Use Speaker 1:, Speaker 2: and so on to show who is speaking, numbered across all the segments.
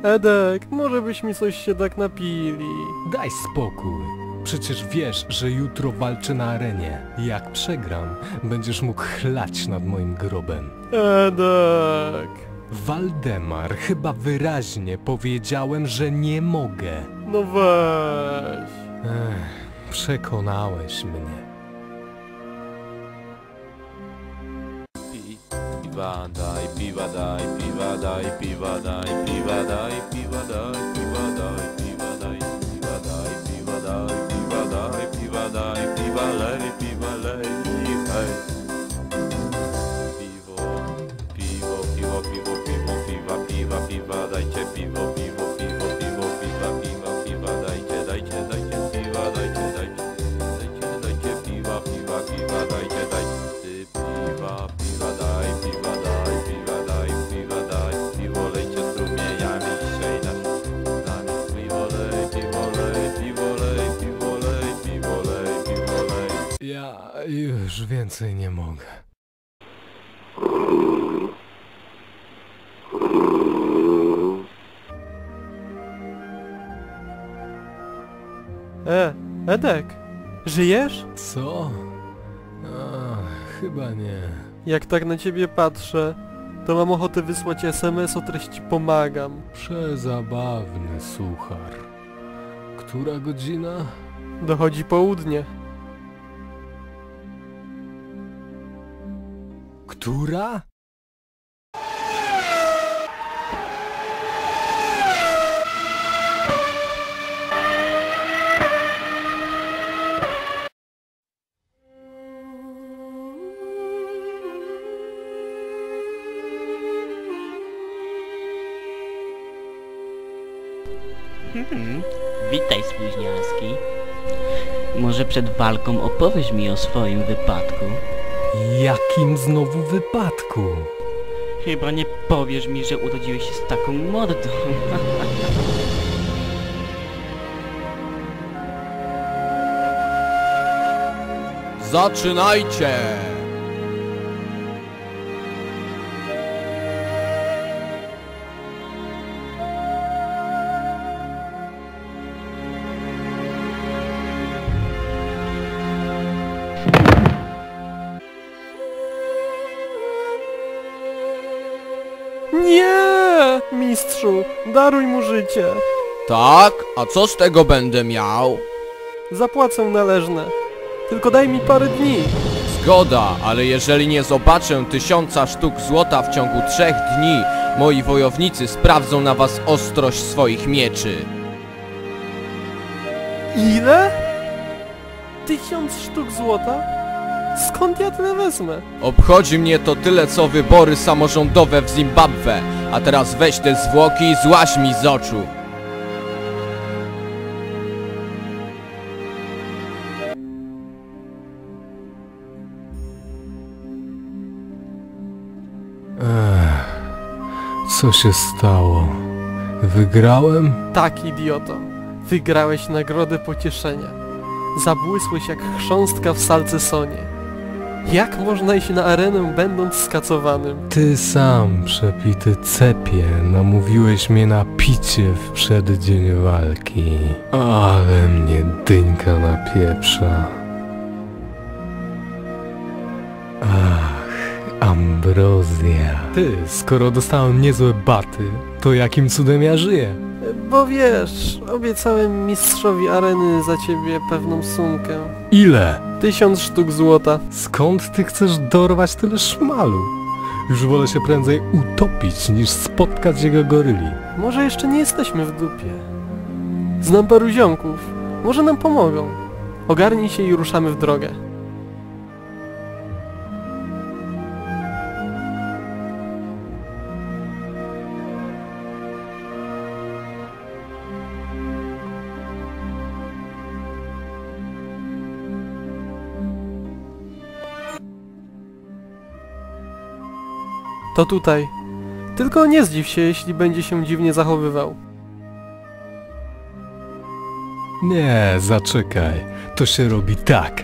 Speaker 1: Edek, może byśmy coś się tak napili.
Speaker 2: Daj spokój. Przecież wiesz, że jutro walczę na arenie. Jak przegram, będziesz mógł chlać nad moim grobem.
Speaker 1: Edek.
Speaker 2: Waldemar, chyba wyraźnie powiedziałem, że nie mogę.
Speaker 1: No weź.
Speaker 2: Przekonałeś mnie.
Speaker 3: Piwa daj, piwa daj, piwa daj, piwa daj, piwa daj, piwa daj, piwa daj, piwa daj, piwa daj, piwa daj, piwa daj, piwa daj, piwa lej, hej. Piwo, piwo, piwo, piwo, piwo, piwa, piwa, piwa, dajcie piwo, piwo, piwo, piwo, piwa, piwa, piwa, dajcie, dajcie, dajcie piwa, dajcie, dajcie, dajcie, dajcie piwa, piwa, piwa, dajcie, dajcie piwa, piwa, daj, piwa, daj, piwa, daj, piwa, daj, piwo lejcie strumieniami dzisiaj nami, piwo lej, piwo lej, piwo lej, piwo lej, piwo lej, piwo lej.
Speaker 2: Ja już więcej nie mogę.
Speaker 1: Edek, żyjesz?
Speaker 2: Co? Chyba nie.
Speaker 1: Jak tak na ciebie patrzę, to mam ochotę wysłać SMS o treści pomagam.
Speaker 2: Przezabawny suchar. Która godzina?
Speaker 1: Dochodzi południe.
Speaker 2: Która?
Speaker 4: Witaj, spóźnialski. Może przed walką opowiesz mi o swoim wypadku?
Speaker 2: Jakim znowu wypadku?
Speaker 4: Chyba nie powiesz mi, że urodziłeś się z taką mordą.
Speaker 3: Zaczynajcie!
Speaker 1: Nie! Mistrzu, daruj mu życie.
Speaker 3: Tak? A co z tego będę miał?
Speaker 1: Zapłacę należne. Tylko daj mi parę dni.
Speaker 3: Zgoda, ale jeżeli nie zobaczę 1000 sztuk złota w ciągu 3 dni, moi wojownicy sprawdzą na was ostrość swoich mieczy.
Speaker 1: Ile? 1000 sztuk złota? Skąd ja tyle wezmę?
Speaker 3: Obchodzi mnie to tyle co wybory samorządowe w Zimbabwe, a teraz weź te zwłoki i złaź mi z oczu.
Speaker 2: Co się stało? Wygrałem?
Speaker 1: Tak, idioto. Wygrałeś nagrodę pocieszenia. Zabłysłeś jak chrząstka w salcesonie. Jak można iść na arenę, będąc skacowanym?
Speaker 2: Ty sam, przepity cepie, namówiłeś mnie na picie w przeddzień walki. Ale mnie dyńka napieprza. Ach, ambrozja. Ty, skoro dostałem niezłe baty, to jakim cudem ja żyję?
Speaker 1: Bo wiesz, obiecałem mistrzowi areny za ciebie pewną sumkę.
Speaker 2: Ile?
Speaker 1: 1000 sztuk złota.
Speaker 2: Skąd ty chcesz dorwać tyle szmalu? Już wolę się prędzej utopić, niż spotkać jego goryli.
Speaker 1: Może jeszcze nie jesteśmy w dupie. Znam paru ziomków. Może nam pomogą. Ogarnij się i ruszamy w drogę. To tutaj. Tylko nie zdziw się, jeśli będzie się dziwnie zachowywał.
Speaker 2: Nie, zaczekaj. To się robi tak.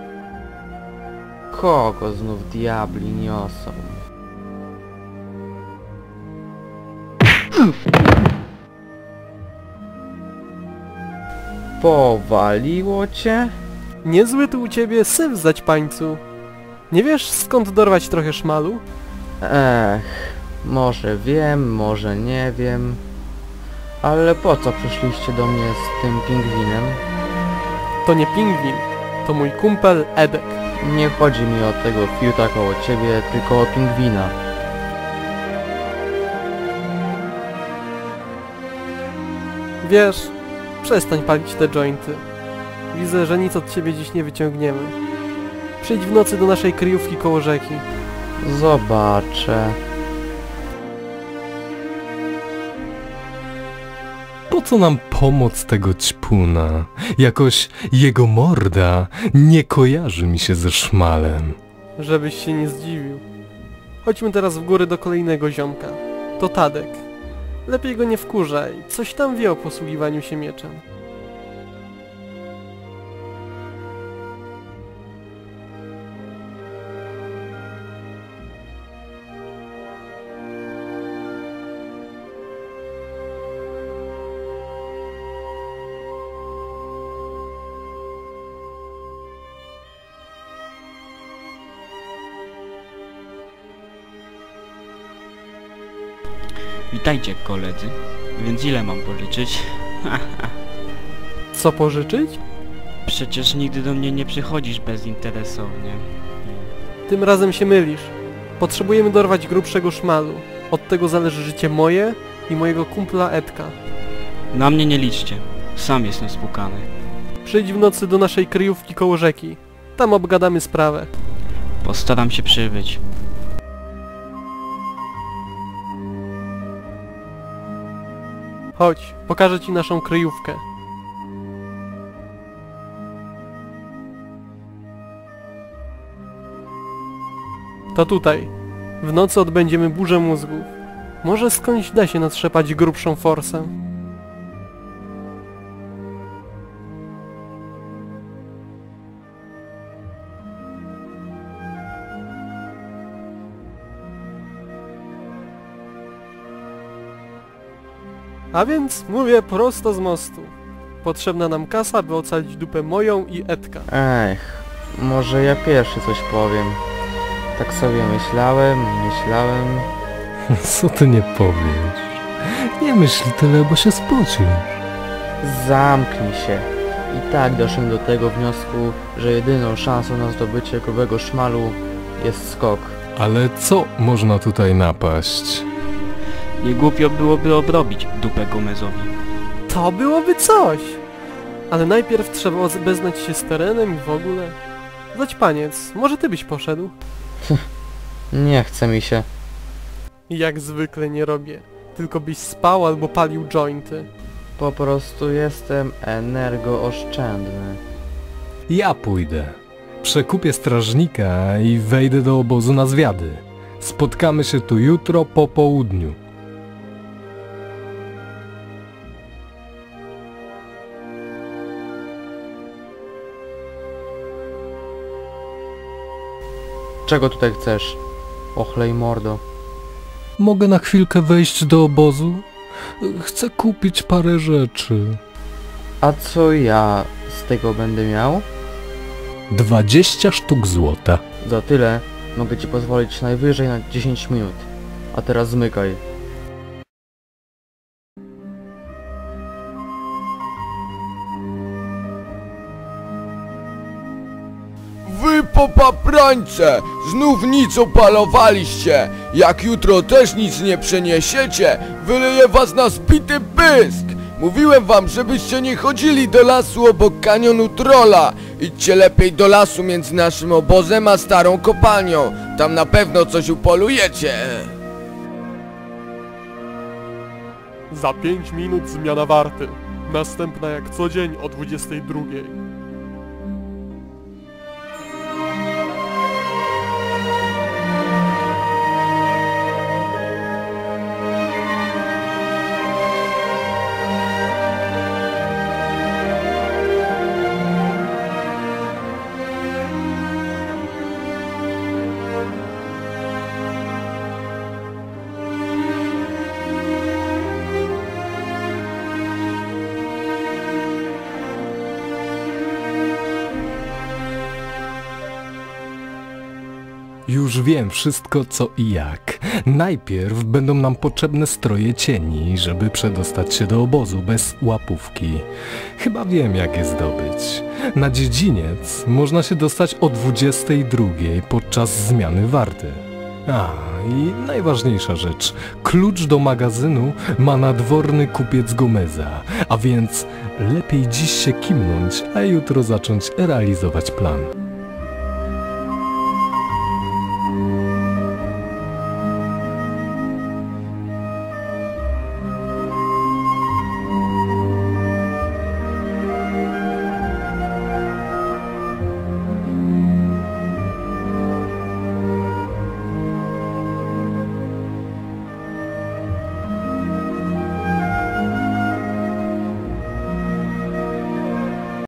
Speaker 5: Kogo znów diabli niosą? Powaliło cię?
Speaker 1: Niezły tu u ciebie syf zaćpańcu. Nie wiesz skąd dorwać trochę szmalu?
Speaker 5: Może wiem, może nie wiem. Ale po co przyszliście do mnie z tym pingwinem?
Speaker 1: To nie pingwin, to mój kumpel Edek.
Speaker 5: Nie chodzi mi o tego fiuta koło ciebie, tylko o pingwina.
Speaker 1: Wiesz, przestań palić te jointy. Widzę, że nic od ciebie dziś nie wyciągniemy. Przyjdź w nocy do naszej kryjówki koło rzeki.
Speaker 5: Zobaczę.
Speaker 2: Po co nam pomoc tego ćpuna? Jakoś jego morda nie kojarzy mi się ze szmalem.
Speaker 1: Żebyś się nie zdziwił. Chodźmy teraz w góry do kolejnego ziomka. To Tadek. Lepiej go nie wkurzaj, coś tam wie o posługiwaniu się mieczem.
Speaker 4: Witajcie koledzy. Więc ile mam pożyczyć?
Speaker 1: Co pożyczyć?
Speaker 4: Przecież nigdy do mnie nie przychodzisz bezinteresownie.
Speaker 1: Tym razem się mylisz. Potrzebujemy dorwać grubszego szmalu. Od tego zależy życie moje i mojego kumpla Edka.
Speaker 4: Na mnie nie liczcie. Sam jestem spłukany.
Speaker 1: Przyjdź w nocy do naszej kryjówki koło rzeki. Tam obgadamy sprawę.
Speaker 4: Postaram się przybyć.
Speaker 1: Chodź, pokażę ci naszą kryjówkę. To tutaj. W nocy odbędziemy burzę mózgów. Może skądś da się natrzepać grubszą forsę. A więc mówię prosto z mostu. Potrzebna nam kasa, by ocalić dupę moją i Edka.
Speaker 5: Może ja pierwszy coś powiem. Tak sobie myślałem.
Speaker 2: Co ty nie powiesz? Nie myśl tyle, bo się spocisz.
Speaker 5: Zamknij się. I tak doszedłem do tego wniosku, że jedyną szansą na zdobycie grubego szmalu jest skok.
Speaker 2: Ale co można tutaj napaść?
Speaker 4: Nie głupio byłoby obrobić dupę Gomezowi.
Speaker 1: To byłoby coś! Ale najpierw trzeba obeznać się z terenem i w ogóle. Zaćpaniec, może ty byś poszedł?
Speaker 5: Nie chce mi się.
Speaker 1: Jak zwykle nie robię. Tylko byś spał albo palił jointy.
Speaker 5: Po prostu jestem energooszczędny.
Speaker 2: Ja pójdę. Przekupię strażnika i wejdę do obozu na zwiady. Spotkamy się tu jutro po południu.
Speaker 5: Czego tutaj chcesz? Ochlej mordo.
Speaker 2: Mogę na chwilkę wejść do obozu? Chcę kupić parę rzeczy.
Speaker 5: A co ja z tego będę miał?
Speaker 2: 20 sztuk złota.
Speaker 5: Za tyle mogę ci pozwolić najwyżej na 10 minut. A teraz zmykaj.
Speaker 6: Wy popaprańce! Znów nic opalowaliście! Jak jutro też nic nie przeniesiecie, wyleję was na zbity pysk! Mówiłem wam, żebyście nie chodzili do lasu obok kanionu Trolla. Idźcie lepiej do lasu między naszym obozem a starą kopalnią. Tam na pewno coś upolujecie.
Speaker 1: Za 5 minut zmiana warty. Następna jak co dzień o 22.
Speaker 2: Już wiem wszystko co i jak. Najpierw będą nam potrzebne stroje cieni, żeby przedostać się do obozu bez łapówki. Chyba wiem jak je zdobyć. Na dziedziniec można się dostać o 22 podczas zmiany warty. A, i najważniejsza rzecz. Klucz do magazynu ma nadworny kupiec Gomeza, a więc lepiej dziś się kimnąć, a jutro zacząć realizować plan.